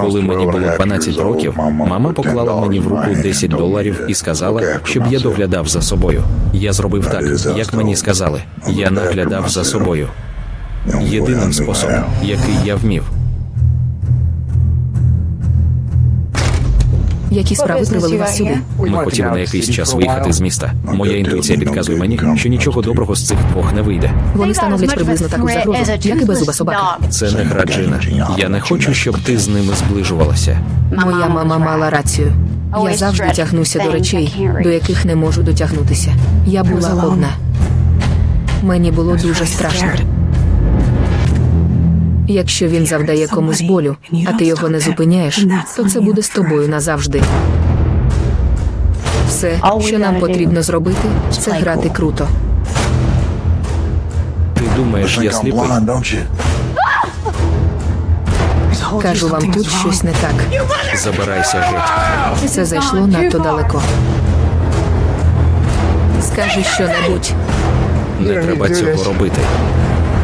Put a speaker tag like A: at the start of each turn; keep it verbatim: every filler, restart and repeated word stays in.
A: Коли мені було дванадцять років, мама поклала мені в руку десять доларів і сказала, щоб я доглядав за собою. Я зробив так, як мені сказали. Я наглядав за собою. Єдиним способом, який я вмів.
B: Які справи привели вас сюди?
A: Ми хотіли на якийсь час виїхати з міста. Моя інтуїція підказує мені, що нічого доброго з цих двох не вийде.
B: Вони становлять приблизно таку загрозу, як і беззуба собака.
A: Це не гра, Джина. Я не хочу, щоб ти з ними зближувалася.
B: Моя мама мала рацію. Я завжди тягнуся до речей, до яких не можу дотягнутися. Я була одна. Мені було дуже страшно. Якщо він завдає комусь болю, а ти його не зупиняєш, то це буде з тобою назавжди. Все, що нам потрібно зробити, це грати круто.
A: Ти думаєш, я сліпий?
B: Кажу вам, тут щось не так.
A: Забирайся геть.
B: Це зайшло надто далеко. Скажи що-небудь.
A: Не треба цього робити.